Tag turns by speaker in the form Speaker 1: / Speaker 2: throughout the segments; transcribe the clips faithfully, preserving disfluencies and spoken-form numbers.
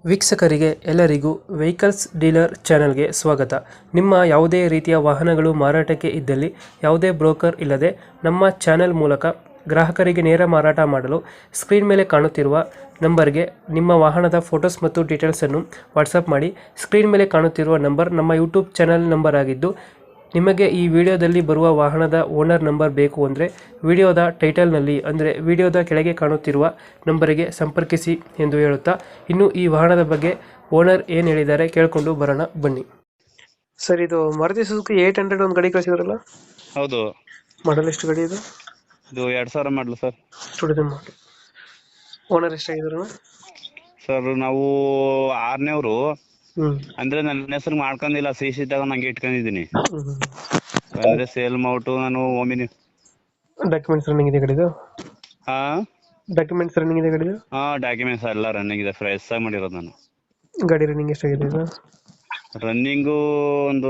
Speaker 1: ವೀಕ್ಷಕರಿಗೆ ಎಲ್ಲರಿಗೂ vehicles dealer ಚಾನೆಲ್ಗೆ ಸ್ವಾಗತ. ನಿಮ್ಮ ಯಾವುದೇ ರೀತಿಯ ವಾಹನಗಳು ಮಾರಾಟಕ್ಕೆ ಇದ್ದಲ್ಲಿ ಯಾವುದೇ ಬ್ರೋಕರ್ ಇಲ್ಲದೆ ನಮ್ಮ ಚಾನೆಲ್ ಮೂಲಕ ಗ್ರಾಹಕರಿಗೆ ನೇರ ಮಾರಾಟ ಮಾಡಲು ಸ್ಕ್ರೀನ್ ಮೇಲೆ ಕಾಣುತ್ತಿರುವ ನಂಬರ್ಗೆ ನಿಮ್ಮ ವಾಹನದ ಫೋಟೋಸ್ ಮತ್ತು ಡೀಟೇಲ್ಸನ್ನು ವಾಟ್ಸಪ್ ಮಾಡಿ. ಸ್ಕ್ರೀನ್ ಮೇಲೆ ಕಾಣುತ್ತಿರುವ ನಂಬರ್ ನಮ್ಮ ಯೂಟ್ಯೂಬ್ ಚಾನೆಲ್ ನಂಬರ್ ಆಗಿದ್ದು, ನಿಮಗೆ ಈ ವಿಡಿಯೋದಲ್ಲಿ ಬರುವ ವಾಹನದ ಓನರ್ ನಂಬರ್ ಬೇಕು ಅಂದರೆ ವಿಡಿಯೋದ ಟೈಟಲ್ನಲ್ಲಿ ಅಂದರೆ ವಿಡಿಯೋದ ಕೆಳಗೆ ಕಾಣುತ್ತಿರುವ ನಂಬರಿಗೆ ಸಂಪರ್ಕಿಸಿ ಎಂದು ಹೇಳುತ್ತಾ, ಇನ್ನು ಈ ವಾಹನದ ಬಗ್ಗೆ ಓನರ್ ಏನು ಹೇಳಿದ್ದಾರೆ ಕೇಳಿಕೊಂಡು ಬರೋಣ ಬನ್ನಿ. ಸರ್, ಇದು ಮಾರುತಿ ಸುಜುಕಿ ಏಟ್ ಹಂಡ್ರೆಡ್ ಒಂದು ಗಾಡಿ ಕಳಿಸಿದ್ರಲ್ಲ,
Speaker 2: ಹೌದು.
Speaker 1: ಮಾಡಲ್ ಎಷ್ಟು ಗಾಡಿ ಇದು?
Speaker 2: ಇದು ಎರಡ್ ಸಾವಿರ ಮಾಡಲು ಸರ್.
Speaker 1: ಸ್ಟುಡಿಯೋ ಮಾಡಿ. ಓನರ್ ಎಷ್ಟಾಗಿದ್ರು?
Speaker 2: ಸರ್ ನಾವು ಆರನೇವ್ರು,
Speaker 1: ಹ್ಞೂ
Speaker 2: ಅಂದ್ರೆ ನನ್ನ ಹೆಸರು ಮಾಡ್ಕೊಂಡಿಲ್ಲ, ಸಿ ಸಿ ತಗೊಂಡ್ ನಂಗೆ ಇಟ್ಕೊಂಡಿದೀನಿ.
Speaker 1: ಹ್ಞೂ
Speaker 2: ಅಂದ್ರೆ ಸೇಲ್ ಮಾಡ್ಬಿಟ್ಟು ನಾನು ಒಮ್ಮಿನಿ.
Speaker 1: ಡಾಕ್ಯುಮೆಂಟ್ಸ್ ರನ್ನಿಂಗ್ ಇದೆ ಗಾಡಿದು?
Speaker 2: ಹಾ
Speaker 1: ಡಾಕ್ಯುಮೆಂಟ್ಸ್ ರನ್ನಿಂಗ್ ಇದೆ ಗಾಡಿದು?
Speaker 2: ಹಾ ಡಾಕ್ಯುಮೆಂಟ್ಸ್ ಎಲ್ಲ ರನ್ನಿಂಗ್ ಇದೆ, ಫ್ರೆಶ್ ಆಗಿ ಮಾಡಿರೋದು ನಾನು.
Speaker 1: ಗಾಡಿ ರನ್ನಿಂಗ್ ಎಷ್ಟಾಗಿದೆ ಇದು?
Speaker 2: ರನ್ನಿಂಗು ಒಂದು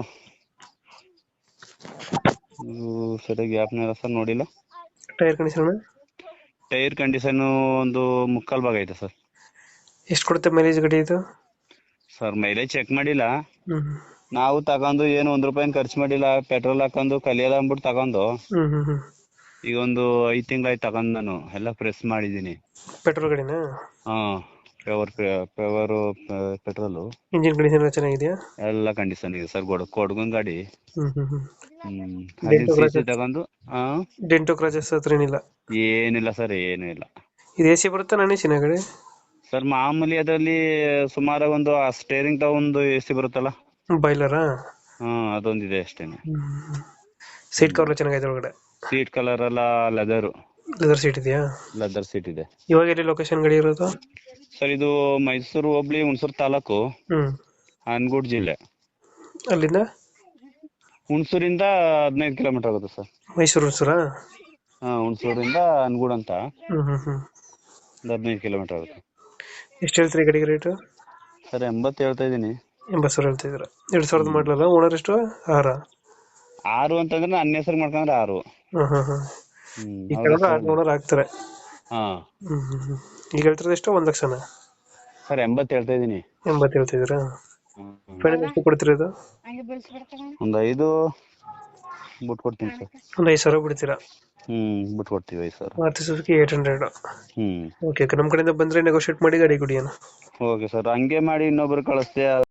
Speaker 2: ಸರಿಯಾಗಿ ಗ್ಯಾಪ್ನ ಸರ್ ನೋಡಿಲ್ಲ.
Speaker 1: Tyre condition?
Speaker 2: ಟೈರ್ ಕಂಡೀಷನ್ ಒಂದು ಮುಕ್ಕಾಲ್ ಭಾಗ ಐತೆ ಸರ್.
Speaker 1: ಎಷ್ಟು ಕೊಡುತ್ತೆ ಮೈಲೇಜ್ ಗಾಡಿ ಇದು?
Speaker 2: ಸರ್ ಮೈಲೇಜ್ ಚೆಕ್ ಮಾಡಿಲ್ಲ,
Speaker 1: ಹ್ಞೂ
Speaker 2: ನಾವು ತಗೊಂಡು ಏನು ಒಂದ್ ರೂಪಾಯಿ ಖರ್ಚು ಮಾಡಿಲ್ಲ. ಪೆಟ್ರೋಲ್ ಹಾಕೊಂಡು ಕಲಿಯಲ್ಲ ಅಂದ್ಬಿಟ್ಟು ತಗೊಂಡು
Speaker 1: ಹ್ಞೂ ಹ್ಞೂ ಹ್ಞೂ
Speaker 2: ಈಗ ಒಂದು ಐದ್ ತಿಂಗಳಾಯ್ತು ತಗೊಂಡ್, ನಾನು ಎಲ್ಲ ಪ್ರೆಸ್ ಮಾಡಿದೀನಿ.
Speaker 1: ಪೆಟ್ರೋಲ್ ಗಾಡಿನಾ?
Speaker 2: ಹಾ power power petrol.
Speaker 1: Engine condition ಎಲ್ಲ ಚೆನ್ನಾಗಿದೆಯಾ?
Speaker 2: ಎಲ್ಲ ಕಂಡೀಷನ್ ಇದೆ ಸರ್. ಕೊಡ್ ಕೊಡ್ಗನ್ ಗಾಡಿ.
Speaker 1: ಹ್ಮ್ ಹ್ಮ್ ಹ್ಮ್
Speaker 2: ಹ್ಮ್ ಅಲ್ಲಿ ಸಿಸಿ ತಗೊಂಡು ಹಾ
Speaker 1: ಡೆಂಟೋ ಕ್ರಾಚಸ್ ಹತ್ರ ಏನಿಲ್ಲ?
Speaker 2: ಏನಿಲ್ಲ ಸರ್, ಏನು ಇಲ್ಲ.
Speaker 1: ಇದು ಎ ಸಿ ಬರುತ್ತಾ ನಾನ್ ಎ ಸಿ ಗಾಡಿ?
Speaker 2: ಸರ್ ಮಾಮೂಲಿ ಅದರಲ್ಲಿ ಸುಮಾರು ಒಂದು ಸ್ಟೇರಿಂಗ್ ತಗೊಂಡು ಎ ಸಿ ಬರುತ್ತಲ್ಲ,
Speaker 1: ಬಾಯ್ಲರಾ?
Speaker 2: ಹಾ ಅದೊಂದಿದೆ ಅಷ್ಟೇನೆ.
Speaker 1: ಸೀಟ್ ಕವರ್ ಚೆನ್ನಾಗೈತೆ ಒಳಗಡೆ?
Speaker 2: ಸೀಟ್ ಕಲರ್ ಎಲ್ಲ ಲೆದರ್.
Speaker 1: ಲೆದರ್ ಸೀಟ್ ಇದೆಯಾ?
Speaker 2: ಲೆದರ್ ಸೀಟ್ ಇದೆ.
Speaker 1: ಇವಾಗ ಎಲ್ಲಿ ಲೊಕೇಶನ್ ಗಾಡಿ ಇರೋದು?
Speaker 2: ಸರ್ ಇದು ಮೈಸೂರು ಹೋಬ್ಳಿ, ಹುಣಸೂರು ತಾಲೂಕು,
Speaker 1: ಹ್ಮ್
Speaker 2: ಅನಗೂಡು ಜಿಲ್ಲೆ.
Speaker 1: ಅಲ್ಲಿಂದ
Speaker 2: ಹುಣಸೂರಿಂದ ಹದಿನೈದು ಕಿಲೋಮೀಟರ್ ಆಗುತ್ತೆ ಸರ್.
Speaker 1: ಮೈಸೂರು ಹುಣಸೂರಾ?
Speaker 2: ಹಾ ಹುಣಸೂರಿಂದ ಅನಗೂಡು ಅಂತ
Speaker 1: ಹ್ಮ್ ಹ್ಮ್ ಹ್ಮ್
Speaker 2: ಒಂದು ಹದಿನೈದು ಕಿಲೋಮೀಟರ್ ಆಗುತ್ತೆ.
Speaker 1: ಎಷ್ಟು ಹೇಳ್ತೀರಿ ಗಾಡಿಗೆ ರೇಟು?
Speaker 2: ಸರ್ ಎಂಬತ್ತು ಹೇಳ್ತಾ ಇದೀನಿ.
Speaker 1: ಎಂಬತ್ತು ಸಾವಿರ ಹೇಳ್ತಿದ್ರ. ಎರಡ್ ಸಾವಿರದ ಮಾಡಲಲ್ಲ. ಓನರ್ ಎಷ್ಟು? ಆರ?
Speaker 2: ಆರು ಅಂತಂದ್ರೆ ನನ್ನ ಹೆಸರು ಮಾಡ್ಕೊಂಡ್ರೆ ಆರು.
Speaker 1: ಹ್ಮ್ ಹ್ಮ್ ಹ್ಮ್
Speaker 2: ಹ್ಮ್
Speaker 1: ಈ ಕಡೆ ಆರು ಓನರ್ ಆಗ್ತಾರೆ.
Speaker 2: ಹಾ
Speaker 1: ಹ್ಮ್ ಹ್ಮ್ ಹ್ಮ್ ಈಗ ಹೇಳ್ತಿರೋದು ಎಷ್ಟು? ಒಂದ್ ಲಕ್ಷನ?
Speaker 2: ಸರ್ ಎಂಬತ್ತು ಹೇಳ್ತಾ ಇದೀನಿ.
Speaker 1: ಎಂಬತ್ತು ಹೇಳ್ತಿದ್ದೀರಾ? ಫೈನಲ್ ಎಷ್ಟು ಕೊಡ್ತಿರೋದು?
Speaker 2: ಒಂದು ಐದು ಬಿಟ್ಟು ಕೊಡ್ತೀನಿ ಸರ್.
Speaker 1: ಒಂದ್ ಐದು ಸಾವಿರ ಬಿಡ್ತೀರಾ?
Speaker 2: ಹ್ಮ್ ಬಿಟ್ಟು ಕೊಡ್ತೀವಿ ಐದು ಸಾವಿರ.
Speaker 1: Maruti Suzuki eight hundred.
Speaker 2: Hmm
Speaker 1: okay okay, ನಮ್ಮ ಕಡೆಯಿಂದ ಬಂದ್ರೆ ನೆಗೋಶಿಯೇಟ್ ಮಾಡಿ ಗಾಡಿ ಕೊಡಿ ಅಣ್ಣ.
Speaker 2: ಓಕೆ ಸರ್, ಹಂಗೆ ಮಾಡಿ ಇನ್ನೊಬ್ರು ಕಳಿಸ್ತೆ.